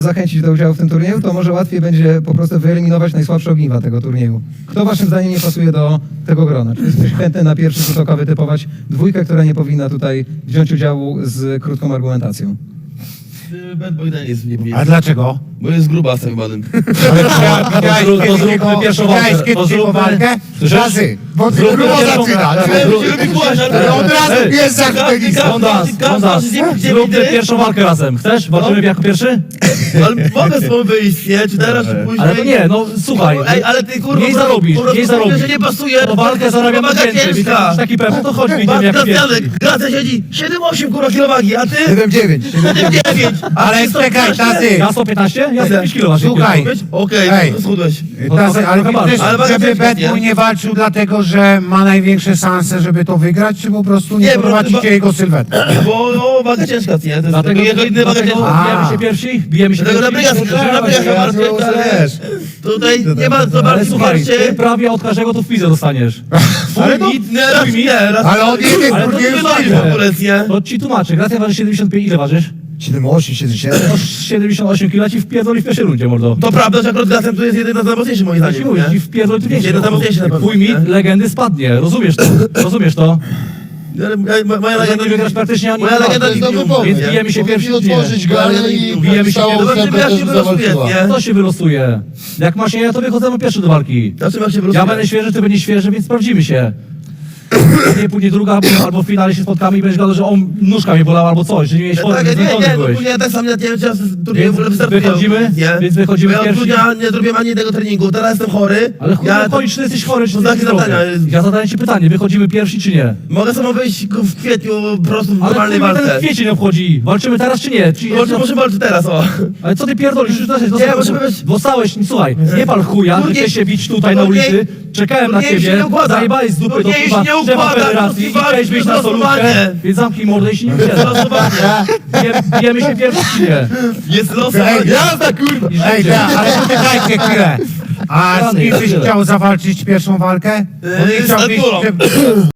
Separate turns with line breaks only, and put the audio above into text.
zachęcić do udziału w tym turnieju, to może łatwiej będzie po prostu wyeliminować najsłabsze ogniwa tego turnieju. Kto waszym zdaniem nie pasuje do tego grona? Czy jesteś chętny na pierwszy rzut oka wytypować dwójkę, która nie powinna tutaj wziąć udziału z krótką argumentacją?
Bad Boy Dan jest nie
A dlaczego?
Bo jest grubasem chybanym.
To zróbmy pierwszą walkę.
Kiedyś jego walkę? Razy, bo ty grubo zaczyna. Od razu jest
Zróbmy pierwszą walkę razem. Chcesz? Walczymy jako pierwszy?
Ale mogę z tobą wyjść, nie? Czy teraz, czy później?
Ale to nie, no słuchaj.
Ej, ale ty kurwa...
Mniej zarobisz,
po prostu
mniej zarobisz.
mówię, że nie pasuje.
To walkę zarabiamy więcej, więc jak taki pewny, to chodźmy, idziemy jak pierwszy.
Gracja siedzi 7-8 kurwa kilowagi, a ty?
7-9.
7-9.
Ale czekaj, tazy.
Ja 115? Ja 105 kg waży.
Słuchaj.
Okej,
Ej.
schudłeś.
Tazy, ale
trochę
widzisz,
Ale
żeby
bardzo
Bad
nie?
Boy nie walczył dlatego, że ma największe szanse, żeby to wygrać, czy po prostu nie
Nie,
prowadzicie
bo-
jego sylwetę?
Bo no, waga ciężka, nie? To jest
Dlatego
jego inny waga ciężka.
bijemy się pierwsi? Bijemy się
Dlatego
pierwsi?
Tutaj nie ma co
Ale
bardziej
słuchaj, ty
pierwszy.
prawie od każdego tu w pizę dostaniesz.
Ale to nie, raz nie, raz.
Ale on jedzie
Ale to
turnieju
nie
Wywalisz
ważne.
w ogóle, nie?
To ci tłumaczę. Gracja waży 75, ile ważysz?
7-8, 7-7.
No 78 kg ci wpierdoli w pierwszej rundzie, mordo.
To prawda, że akurat Gracem tu jest jeden z najmocniejszych moim
Ja ci
zdaniem,
mówię,
nie?
ci wpierdoli tu więcej.
Jeden z najmocniejszych na pewno,
Twój mit
nie?
legendy spadnie, rozumiesz to? Rozumiesz to?
Ale moja
Że
legenda
nie wygrasz praktycznie ani
moja
dwa.
legenda nigdy nie
Więc
mówi, nie?
bijemy się pierwsi, czy nie?
otworzyć galę i
Bijemy się
całą
pierwszy.
Zobaczymy, jak
ofertę
się
też
wylosuje,
zawalczyła.
nie?
To się wylosuje. Jak masz nie, to wychodzimy pierwszy do walki.
Zobaczymy, jak się
Ja
wylosuje.
będę świeży, ty będziesz świeży, więc sprawdzimy się. Później druga, albo w finale się spotkamy i będziesz gadał, że on nóżka mnie bolała albo coś, że nie miałeś formy,
Tak,
więc zmęczony
nie,
byłeś.
ogólnie tak sam nie wiem, czy ja z turnieju w ogóle wystartuję.
wychodzimy?
Nie?
Więc wychodzimy
Bo ja od
pierwsi?
grudnia nie zrobiłem ani jednego treningu, teraz jestem chory.
Ale chuj,
ja
chodź, czy ty jesteś chory, czy
to
ty
takie
jesteś zdrowy?
zadania jest.
Ja zadaję ci pytanie, wychodzimy pierwsi, czy nie?
Mogę samo wyjść w kwietniu po prostu w
Ale
normalnej
chuj, mnie ten
walce.
kwiecień obchodzi. Walczymy teraz, czy nie? Czy
Może walczyć teraz, o.
Ale co ty pierdolisz? Już
możemy być-
dostałeś, słuchaj, nie pal chuja, że
Turniej-
chcesz się bić tutaj na
turniej-
ulicy, czekałem na
turniej się
ciebie,
nie układa.
zajebałeś z dupy do
Turniej się
kurwa
nie
szefa
układa,
federacji i
to
chciałeś wyjść na solówkę,
losowanie.
więc zamknij mordę i się nie usiedzę. Bijemy się pierwszy, czy nie?
Jest losowanie.
Jazda, kurwa! Ej, ale poczekajcie chwilę. A z kim byś chciał zawalczyć pierwszą walkę? Bo nie
Z
chciałbyś,
Arturą.
żeby...